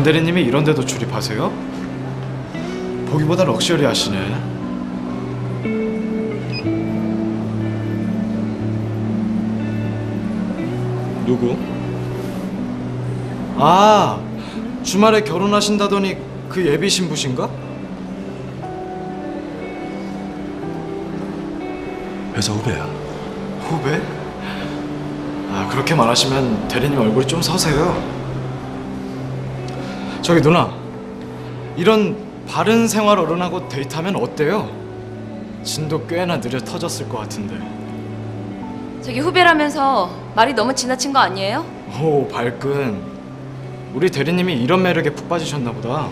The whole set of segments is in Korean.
장 대리님이 이런 데도 출입하세요? 보기보다 럭셔리하시네. 누구? 아, 주말에 결혼하신다더니 그 예비 신부신가? 회사 후배야. 후배? 아, 그렇게 말하시면 대리님 얼굴이 좀 서세요. 저기 누나, 이런 바른 생활 어른하고 데이트하면 어때요? 진도 꽤나 느려 터졌을 것 같은데. 저기 후배라면서 말이 너무 지나친 거 아니에요? 오, 발끈. 우리 대리님이 이런 매력에 푹 빠지셨나 보다.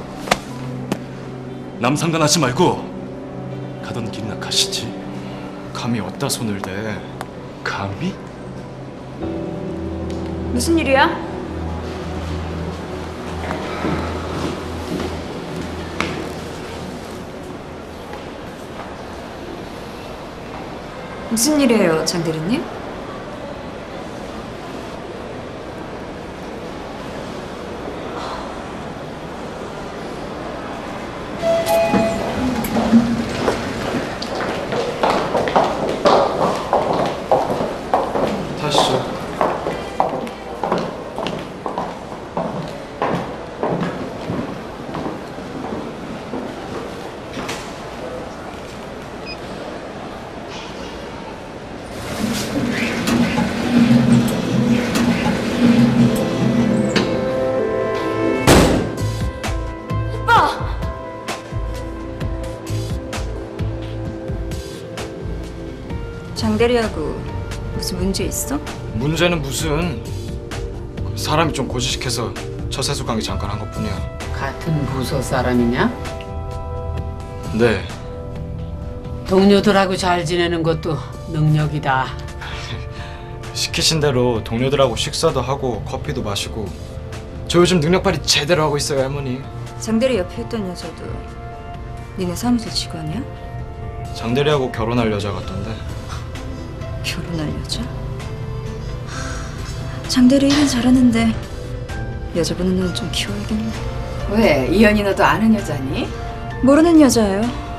남 상관하지 말고 가던 길이나 가시지. 감히 어디다 손을 대. 감히? 무슨 일이야? 무슨 일이에요, 장 대리님? 타시죠. 장 대리하고 무슨 문제 있어? 문제는 무슨, 사람이 좀 고지식해서 처세술 관계 잠깐 한 것뿐이야. 같은 부서 사람이냐? 네. 동료들하고 잘 지내는 것도 능력이다. 시키신 대로 동료들하고 식사도 하고 커피도 마시고 저 요즘 능력 발휘 제대로 하고 있어요, 할머니. 장 대리 옆에 있던 여자도 니네 사무소 직원이야? 장대리하고 결혼할 여자 같던데. 결혼할 여자? 장 대리 일은 잘하는데 여자 보는 눈 좀 키워야겠네. 왜? 이현이 너도 아는 여자니? 모르는 여자예요.